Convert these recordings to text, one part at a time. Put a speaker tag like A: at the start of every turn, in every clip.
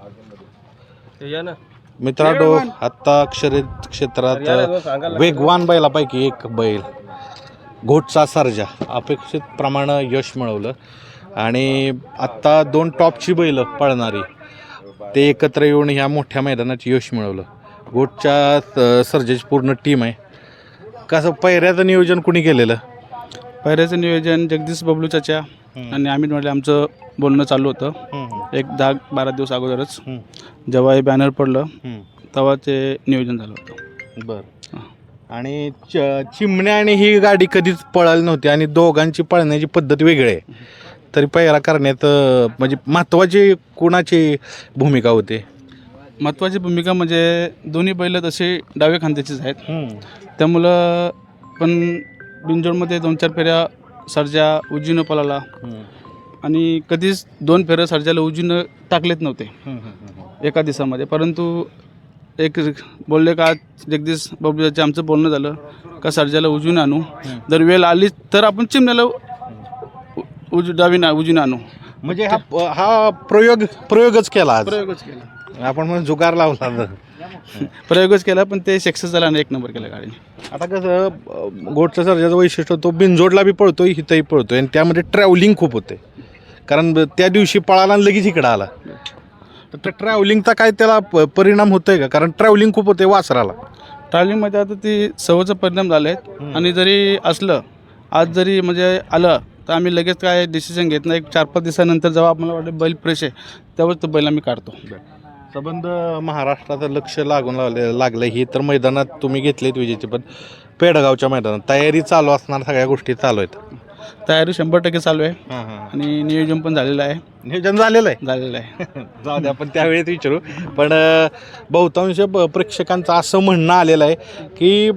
A: मित्रांनो, आत्ता शर्यत क्षेत्रात वेगवान बैलापैकी एक बैल घोटचा सर्जा अपेक्षित प्रमाणे यश मिळवलं आणि आत्ता दोन टॉपची बैलं पळणारी ते एकत्र येऊन ह्या मोठ्या मैदानात यश मिळवलं. घोटच्या सर्जाची पूर्ण टीम आहे. कसं पैऱ्याचं नियोजन कुणी केलेलं?
B: पैऱ्याचं नियोजन जगदीश बबलू चाचा आणि अमित म्हटले आमचं बोलणं चालू होतं एक 10-12 दिवस अगोदरच. जेव्हा हे बॅनर पडलं तेव्हा ते नियोजन झालं होतं.
A: बरं. आणि चिमण्या आणि ही गाडी कधीच पळाली नव्हती आणि दोघांची पळण्याची पद्धत वेगळी आहे, तरी पैरा करण्यात म्हणजे महत्त्वाची कुणाची भूमिका होते?
B: महत्त्वाची भूमिका म्हणजे दोन्ही बैल तसे डावे खांद्याचेच आहेत, त्यामुळं पण बिनजोडमध्ये 2-4 फेऱ्या सर्जा उजवीनं पळाला आणि कधीच 2 फेऱ्या सर्जाला उजवीनं टाकलेत नव्हते एका दिवसामध्ये. परंतु एक बोलले का जगदीश बाबूचे आमचं बोलणं झालं का सर्जाला उजवीनं आणू, जर वेळ आली तर आपण चिमण्याला उजवीनं आणू.
A: म्हणजे हा प्रयोगच केला आज.
B: प्रयोगच केला
A: आपण म्हणून जुगार लावला.
B: प्रयोगच केला पण ते सक्सेस झाला आणि 1 नंबर केला गाडीने.
A: आता कसं घोटच्या सर्जाचं वैशिष्ट्य तो बिनजोडला बी पळतोय हिथंही पळतोय आणि त्यामध्ये ट्रॅव्हलिंग खूप होते, कारण त्या दिवशी पळाला आणि लगेच इकडं आला. तर त्या ट्रॅव्हलिंगचा काय त्याला परिणाम होतोय का? कारण ट्रॅव्हलिंग खूप होते वासराला.
B: ट्रॅव्हलिंगमध्ये आता ती सवयीचा परिणाम झाले आहेत आणि जरी असलं आज जरी म्हणजे आलं तर आम्ही लगेच काय डिसिजन घेत नाही. 4-5 दिवसानंतर जेव्हा आम्हाला वाटतं बैल फ्रेश आहे तेव्हाच तो बैल आम्ही काढतो.
A: संबंध महाराष्ट्राचं लक्ष लागलं ही तर मैदानात तुम्ही घेतलेत विजेचे, पण पेडगावच्या मैदानात तयारी चालू असणार, सगळ्या गोष्टी चालू आहेत.
B: तयारी 100% चालू आहे आणि नियोजन पण झालेलं आहे.
A: नियोजन झालेलं
B: आहे
A: जाऊ द्या, आपण त्यावेळेस विचारू. पण बहुतांश प्रेक्षकांचं असं म्हणणं आलेलं आहे की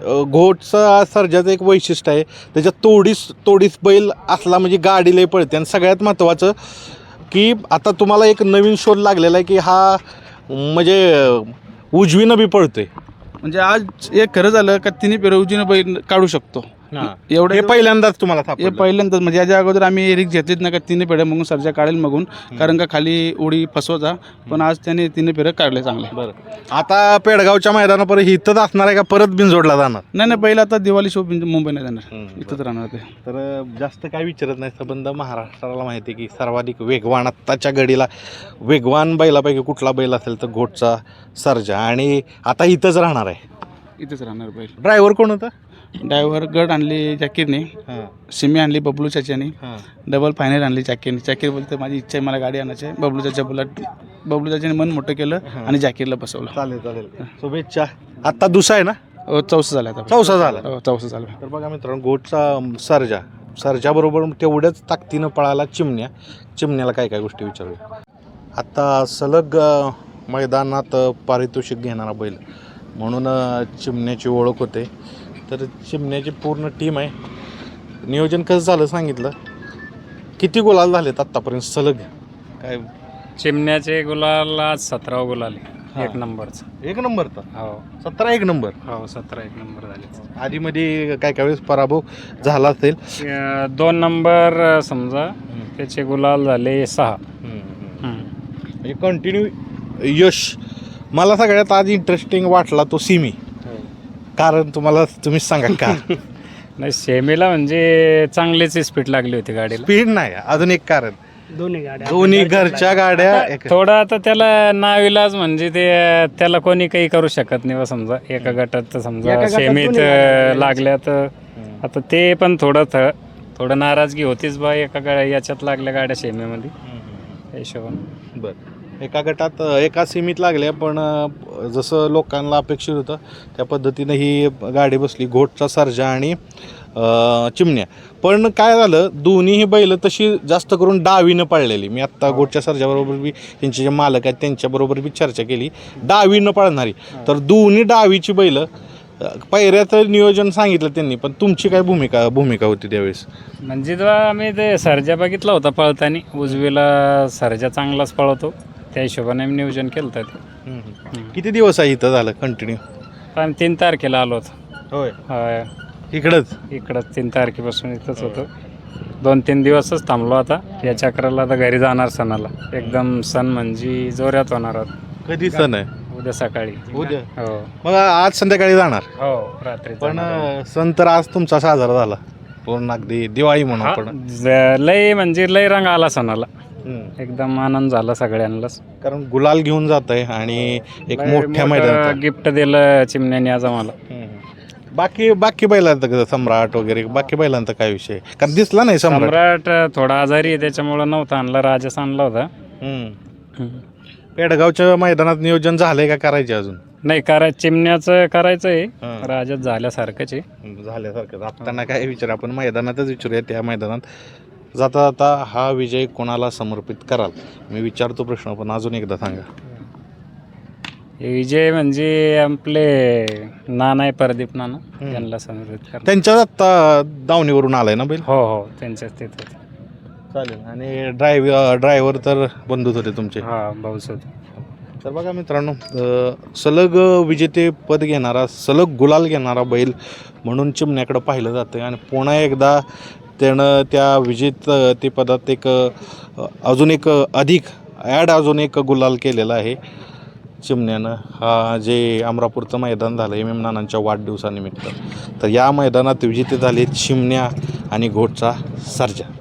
A: घोटचा सर्जाचं एक वैशिष्ट्य आहे, त्याच्यात तोडीस बैल असला म्हणजे गाडी लय पळते. आणि सगळ्यात महत्त्वाचं की आता तुम्हाला एक नवीन शोध लागलेला आहे की हा म्हणजे उजवीनं बी पळतोय.
B: म्हणजे आज एक खरं झालं का तिन्ही फेऱ्या उजवीनं बैल काढू शकतो
A: एवढं. हे पहिल्यांदाच तुम्हाला
B: हे पहिल्यांदाच म्हणजे याच्या अगोदर आम्ही रिक्स घेतलीच नाही का तिन्ही फेऱ्या मग सर्जा काढेल मागून, कारण का खाली उडी फसवायचा. पण आज त्याने तिन्ही फेऱ्या काढले चांगले.
A: बरं. आता पेडगावच्या मैदानापर्यंत इथंच असणार आहे का परत बिनजोडला जाणार?
B: नाही पहिला आता दिवाळी शो मुंबई नाही जाणार, इथंच राहणार ते.
A: तर जास्त काय विचारत नाही. संबंध महाराष्ट्राला माहिती आहे की सर्वाधिक वेगवान आत्ताच्या घडीला वेगवान बैलापैकी कुठला बैल असेल तर घोटचा सर्जा, आणि आता इथंच राहणार आहे.
B: इथंच राहणार बैल.
A: ड्रायव्हर कोण होता?
B: ड्रायव्हर गड आणली जाकीरने, सिमी आणली बबलू चाच्याने, डबल फायनल आणली जाकीरने. जाकीर बोलते माझी इच्छा आहे मला गाडी आणायची आहे. बबलू चाचा बोला, बबलू चाच्याने मन मोठं केलं आणि जाकीरला बसवलं.
A: चालेल शुभेच्छा. आत्ता दुसरा आहे ना?
B: चौसा झाला आता.
A: चौसा झाला.
B: चौसा झाला.
A: तर बघा मित्रांनो, घोटचा सर्जाबरोबर तेवढ्याच ताकदीनं पळाला चिमण्याला काय काय गोष्टी विचारूया. आत्ता सलग मैदानात पारितोषिक घेणारा बैल म्हणून चिमण्याची ओळख होते. तर चिमण्याची पूर्ण टीम आहे. नियोजन कसं झालं सांगितलं? किती गुलाल झालेत आत्तापर्यंत सलग? काय
C: चिमण्याचे गुलाल आज 17 गुलाल, 1 नंबरचा.
A: 1 नंबरचा?
C: हो.
A: 17 1 नंबर?
C: हो 17 1 नंबर झाले.
A: आधीमध्ये काय काय वेळेस पराभव झाला असेल?
C: 2 नंबर समजा, त्याचे गुलाल झाले 6.
A: म्हणजे कंटिन्यू यश. मला सगळ्यात आज इंटरेस्टिंग वाटला तो सिमी. कारण तुम्हीच सांगा का?
C: नाही सेमीला म्हणजे चांगलीच स्पीड लागली होती गाडीला.
A: स्पीड नाही, अजून एक कारण दोन्ही घरच्या गाड्या.
C: थोडं आता त्याला नाविलाज म्हणजे ते त्याला कोणी काही करू शकत नाही. समजा एका गटात समजा सेमीत लागल्या तर आता ते पण थोडं नाराजगी होतीच बा, याच्यात लागल्या गाड्या सेमीमध्ये हिशोबाने.
A: बरं. एका गटात एका सीमित लागल्या, पण जसं लोकांना अपेक्षित होतं त्या पद्धतीनं ही गाडी बसली घोटचा सर्जा आणि चिमण्या. पण काय झालं, दोन्हीही बैल तशी जास्त करून डावीनं पळलेली. मी आत्ता घोटच्या सर्जाबरोबर बी त्यांचे जे मालक आहेत त्यांच्याबरोबर बी चर्चा केली, डावीनं पळणारी. तर दोन्ही डावीची बैल. पैऱ्याचं नियोजन सांगितलं त्यांनी, पण तुमची काय भूमिका होती त्यावेळेस?
C: म्हणजे जेव्हा आम्ही ते सर्जा बघितला होता पळताना, उजवीला सर्जा चांगलाच पळवतो, त्या हिशोबाने आम्ही नियोजन केलं होतं.
A: किती दिवस आहे इथं झालं कंटिन्यू?
C: आम्ही 3 तारखेला आलो होतो.
A: होय.
C: होय
A: इकडंच
C: 3 तारखेपासून इथंच होतो. 2-3 दिवसच थांबलो आता या चक्राला. आता घरी जाणार सणाला. एकदम सण म्हणजे जोरात होणार आहोत.
A: कधी सण आहे?
C: उद्या सकाळी.
A: उद्या.
C: हो
A: मग आज संध्याकाळी जाणार?
C: हो रात्री
A: पण सण तर आज तुमचा साजरा झाला पूर्ण, अगदी दिवाळी म्हणून आपण.
C: लय म्हणजे लय रंग आला सणाला. एकदम आनंद झाला सगळ्यांनाच.
A: कारण गुलाल घेऊन जात आहे आणि एक मोठ्या मैदानात.
C: गिफ्ट दिलं चिमण्याने आज आम्हाला.
A: बाकी बैलांचं कसं, सम्राट वगैरे बाकी बैलांचा काय विषय? कारण दिसला नाही सम्राट.
C: सम्राट थोडा आजारी आहे त्याच्यामुळं नव्हता आणला. राजस आणला होता.
A: पेडगावच्या मैदानात नियोजन झालंय का करायचे अजून?
C: नाही चिमण्याचं करायचं आहे. राजस झाल्यासारखंच आहे.
A: झाल्यासारखं. आपल्याला काय विचार, आपण मैदानातच विचारूया. त्या मैदानात जाता जाता हा विजय कोणाला समर्पित कराल? मी विचारतो प्रश्न, पण अजून एकदा सांगा.
C: हे विजय म्हणजे आपले नाना आहे, प्रदीप नाना, यांना समर्पित करा.
A: त्यांच्याच आत्ता दावणीवरून आलाय ना बैल?
C: हो हो त्यांच्याच तिथं.
A: चालेल. आणि ड्रायव्हर तर बंधूच होते तुमचे?
C: हां भाऊसोद.
A: तर बघा मित्रांनो, सलग विजेतेपद घेणारा, सलग गुलाल घेणारा बैल म्हणून चिमण्याकडं पाहिलं जातं. आणि पुन्हा एकदा त्यानं त्या विजेतेपदात एक अजून एक अजून एक गुलाल केलेला आहे चिमण्यानं. हा जे अमरापूरचं मैदान झालं MM नानांच्या वाढदिवसानिमित्त. तर या मैदानात विजेते झाले चिमण्या आणि घोटचा सर्जा.